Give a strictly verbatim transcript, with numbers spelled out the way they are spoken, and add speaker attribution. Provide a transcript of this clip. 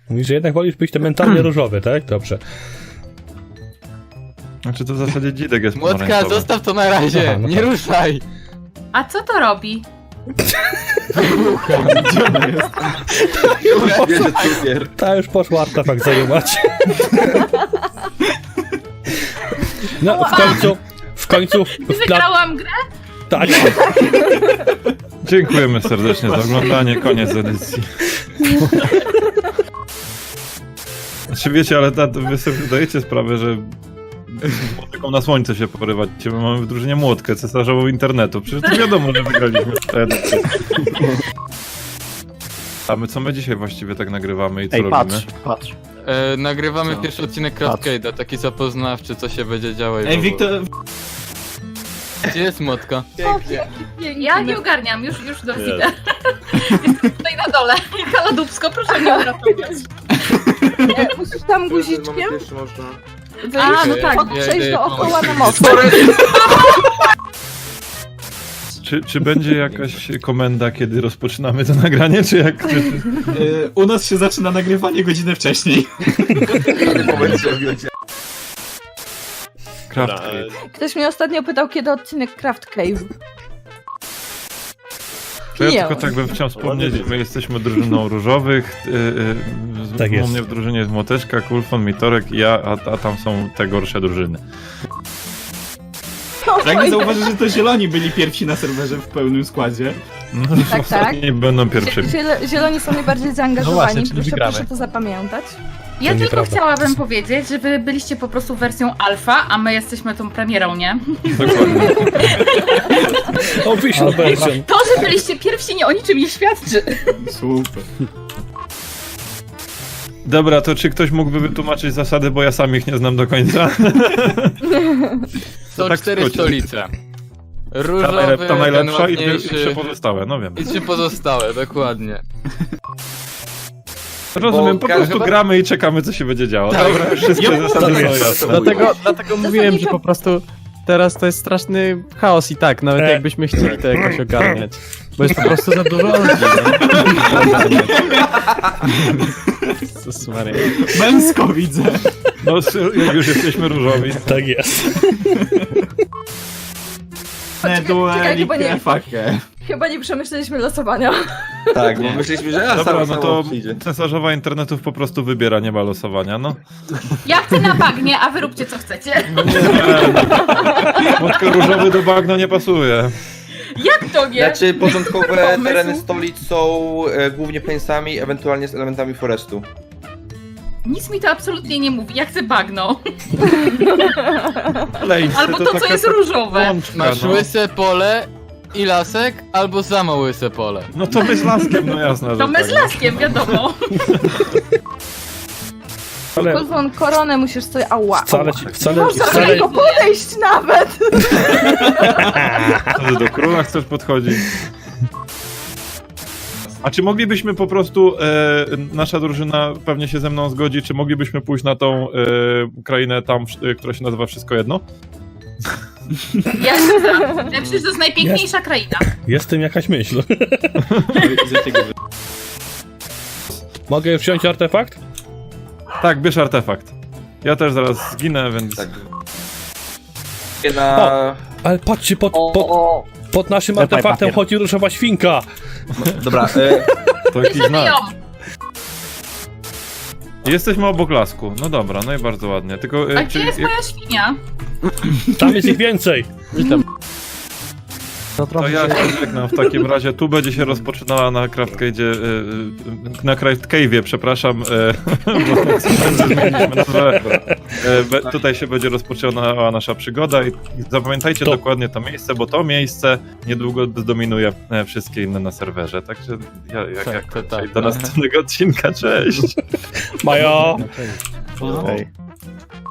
Speaker 1: Mówisz, że jednak wolisz być ten mentalnie różowy, tak? Dobrze.
Speaker 2: Znaczy to w zasadzie dzidek jest
Speaker 3: Młotka,
Speaker 2: pomarańczowy.
Speaker 3: zostaw to na razie,
Speaker 1: Aha, no
Speaker 3: nie
Speaker 1: tak.
Speaker 3: ruszaj.
Speaker 4: A co to robi?
Speaker 1: Ta już poszła artefakt zajmować. No, w końcu, w końcu... W pla...
Speaker 4: Wygrałam grę?
Speaker 1: Tak.
Speaker 2: Dziękujemy serdecznie za oglądanie, koniec edycji. Znaczy wiecie, ale ta, wy sobie zdajecie sprawę, że z młotką na słońce się porywacie. My mamy w drużynie młotkę cesarzową internetu. Przecież to wiadomo, że wygraliśmy tę edycję. A my co my dzisiaj właściwie tak nagrywamy i co
Speaker 5: Ej,
Speaker 2: robimy?
Speaker 5: patrz, patrz.
Speaker 3: E, nagrywamy
Speaker 5: Co?
Speaker 3: pierwszy odcinek Craftcade'a, taki zapoznawczy, co się będzie działo i w
Speaker 5: Ej,
Speaker 3: ogóle.
Speaker 5: Wiktor...
Speaker 3: Gdzie jest Młotka?
Speaker 4: Ja nie ogarniam, już, już do widzę. Jestem tutaj na dole. Kaladubsko, proszę mnie uratować.
Speaker 6: Musisz tam guziczkiem
Speaker 4: A, no tak.
Speaker 3: Ja
Speaker 6: przejść
Speaker 3: idę
Speaker 6: dookoła
Speaker 3: pomóc.
Speaker 6: na most.
Speaker 2: Czy, czy będzie jakaś komenda, kiedy rozpoczynamy to nagranie, czy jak... Czy,
Speaker 5: Y, u nas się zaczyna nagrywanie godzinę wcześniej.
Speaker 2: Craftcade.
Speaker 6: Ktoś mnie ostatnio pytał, kiedy odcinek Craft Cave.
Speaker 2: To ja
Speaker 6: Nie.
Speaker 2: tylko tak bym chciał wspomnieć, że my jesteśmy drużyną różowych. Yy, yy,
Speaker 1: Tak
Speaker 2: u
Speaker 1: jest.
Speaker 2: mnie w drużynie jest Młoteczka, Kulfon, Mitorek i ja, a, a tam są te gorsze drużyny.
Speaker 5: Pragnę zauważyć, że to zieloni byli pierwsi na serwerze w pełnym składzie.
Speaker 2: No,
Speaker 6: Tak,
Speaker 2: ostatni będą pierwszymi.
Speaker 6: Zielo- Zieloni są najbardziej zaangażowani,
Speaker 7: No właśnie, czyli
Speaker 6: proszę,
Speaker 7: wygramy.
Speaker 6: proszę to zapamiętać.
Speaker 4: Ja
Speaker 1: To
Speaker 4: tylko
Speaker 1: nieprawda.
Speaker 4: chciałabym powiedzieć, że wy byliście po prostu wersją alfa, a my jesteśmy tą premierą, nie?
Speaker 2: Dokładnie.
Speaker 1: Official version.
Speaker 4: To, że byliście pierwsi, nie o niczym nie świadczy.
Speaker 5: Super.
Speaker 2: Dobra, to czy ktoś mógłby wytłumaczyć zasady, bo ja sam ich nie znam do końca?
Speaker 3: Są
Speaker 2: tak w
Speaker 3: cztery
Speaker 2: skrócie.
Speaker 3: stolice.
Speaker 2: Ta,
Speaker 3: Różowy,
Speaker 2: najlep ta najlepsza i
Speaker 3: ten
Speaker 2: dwie- i
Speaker 3: ładniejszy
Speaker 2: trzy pozostałe, no wiem.
Speaker 3: i trzy pozostałe, dokładnie.
Speaker 2: Rozumiem, po
Speaker 3: Bo
Speaker 2: prostu
Speaker 3: chyba-
Speaker 2: gramy i czekamy, co się będzie działo. Dobra, wszystkie zasady są jasne.
Speaker 7: Dlatego, dlatego mówiłem, że po prostu teraz to jest straszny chaos i tak, nawet
Speaker 1: E.
Speaker 7: jakbyśmy chcieli to jakoś ogarniać. Bo jest po prostu za dużo ludzi, nie? Jezus Maria.
Speaker 5: Męsko widzę.
Speaker 2: No, jak już jesteśmy różowi.
Speaker 1: Tak jest.
Speaker 5: Ne, dueli,
Speaker 6: chyba nie-
Speaker 5: fakę.
Speaker 6: Chyba nie przemyśleliśmy losowania.
Speaker 8: Tak, bo myśleliśmy, że ja
Speaker 2: Dobra,
Speaker 8: sam
Speaker 2: no
Speaker 8: samo
Speaker 2: to
Speaker 8: przyjdzie.
Speaker 2: cesarzowa internetów po prostu wybiera, nie ma losowania, no.
Speaker 4: Ja chcę na bagnie, a wy róbcie co chcecie.
Speaker 2: Młotka różowy do bagna nie pasuje.
Speaker 4: Jak to nie?
Speaker 8: Znaczy, początkowe
Speaker 4: Pomysł.
Speaker 8: tereny stolic są e, głównie plańsami, ewentualnie z elementami forestu.
Speaker 4: Nic mi to absolutnie nie mówi, ja chcę bagno.
Speaker 2: Lejsy,
Speaker 4: Albo to, co
Speaker 2: taka
Speaker 4: jest różowe.
Speaker 2: łączka,
Speaker 3: Masz
Speaker 2: no.
Speaker 3: łyse pole i lasek, albo samo łyse pole.
Speaker 2: No to my z laskiem, no jasne, że
Speaker 4: To my
Speaker 2: tak.
Speaker 4: z laskiem, wiadomo.
Speaker 1: Ale
Speaker 6: Kulfon, koronę musisz sobie... Ała,
Speaker 1: wcale,
Speaker 6: ała.
Speaker 1: ci-
Speaker 6: Nie
Speaker 1: wcale,
Speaker 6: można do
Speaker 1: wcale,
Speaker 6: niego podejść nawet!
Speaker 2: Co ty do króla chcesz podchodzić? A czy moglibyśmy po prostu, e, nasza drużyna pewnie się ze mną zgodzi, czy moglibyśmy pójść na tą e, krainę tam, e, która się nazywa Wszystko Jedno?
Speaker 4: Ja się znam. Przecież to jest najpiękniejsza kraina.
Speaker 1: jest w tym jakaś myśl. Mogę już wziąć artefakt?
Speaker 2: Tak, bierz artefakt. Ja też zaraz zginę, więc...
Speaker 8: Tak. Na...
Speaker 1: Ale patrzcie, pod, pod, pod naszym
Speaker 5: Dawaj
Speaker 1: artefaktem
Speaker 5: papier.
Speaker 1: chodzi różowa świnka.
Speaker 8: Dobra, e,
Speaker 2: To jakiś
Speaker 4: Bierzemy
Speaker 2: znak.
Speaker 4: ją.
Speaker 2: Jesteśmy obok lasku. No dobra, no i bardzo ładnie. Tylko, e,
Speaker 4: A gdzie jest moja świnia?
Speaker 1: Tam jest ich więcej.
Speaker 7: Witam.
Speaker 2: To
Speaker 7: To trochę
Speaker 2: ja
Speaker 7: się...
Speaker 2: się żegnam w takim razie. Tu będzie się rozpoczynała na Craftcade'zie, e, e, na Craft Cave'ie, przepraszam, e, bo zmieniliśmy nazwę. E, be, tutaj się będzie rozpoczynała nasza przygoda i zapamiętajcie
Speaker 1: To-
Speaker 2: dokładnie to miejsce, bo to miejsce niedługo zdominuje e, wszystkie inne na serwerze. Także ja, jak,
Speaker 3: Tak,
Speaker 2: jak
Speaker 3: to tak,
Speaker 2: do
Speaker 3: no.
Speaker 2: następnego odcinka, cześć!
Speaker 1: Majo.
Speaker 7: Hej.